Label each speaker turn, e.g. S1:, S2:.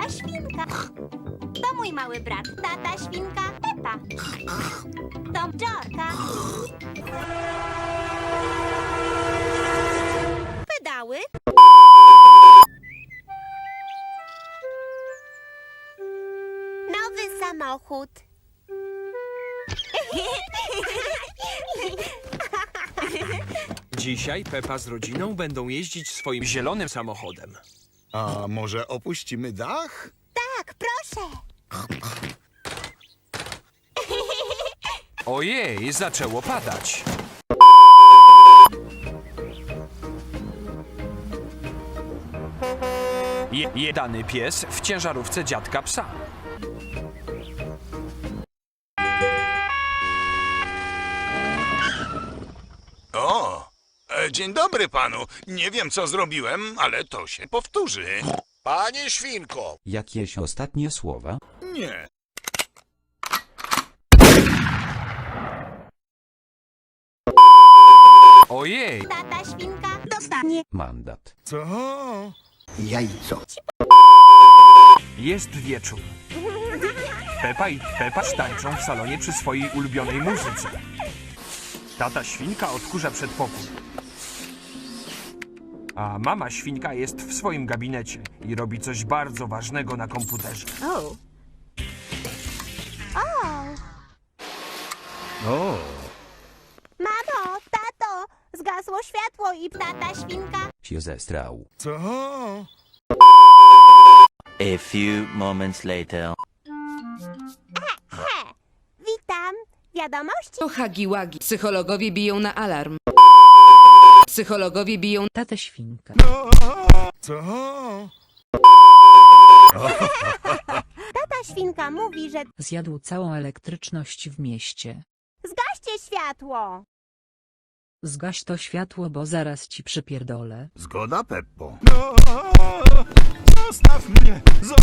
S1: Mama świnka. To mój mały brat, tata świnka Pepa. To George'a. Pedały. Nowy samochód.
S2: Dzisiaj Pepa z rodziną będą jeździć swoim zielonym samochodem.
S3: A może opuścimy dach?
S1: Tak, proszę.
S2: Ojej, zaczęło padać. Jedany pies w ciężarówce dziadka psa.
S4: O, dzień dobry panu. Nie wiem, co zrobiłem, ale to się powtórzy.
S5: Panie Świnko!
S6: Jakieś ostatnie słowa?
S4: Nie.
S2: Ojej,
S1: Tata świnka dostanie.
S6: Mandat.
S3: Co?
S2: jest wieczór. Pepa i Pepa tańczą w salonie przy swojej ulubionej muzyce. Tata świnka odkurza przedpokój. A mama świnka jest w swoim gabinecie i robi coś bardzo ważnego na komputerze.
S1: O.
S3: O,
S1: Mamo, tato, zgasło światło i tata świnka.
S6: Się zestrał.
S3: co?
S7: A few moments later.
S1: Witam. Wiadomości?
S8: To Hagi-Wagi. Psychologowie biją na alarm. Psychologowie biją...
S9: Tatę świnka.
S3: Co?
S1: Tata świnka mówi, że
S9: Zjadł całą elektryczność w mieście.
S1: zgaście światło.
S9: Zgaś to światło, bo zaraz ci przypierdolę.
S3: Zgoda, Peppo. Zostaw mnie!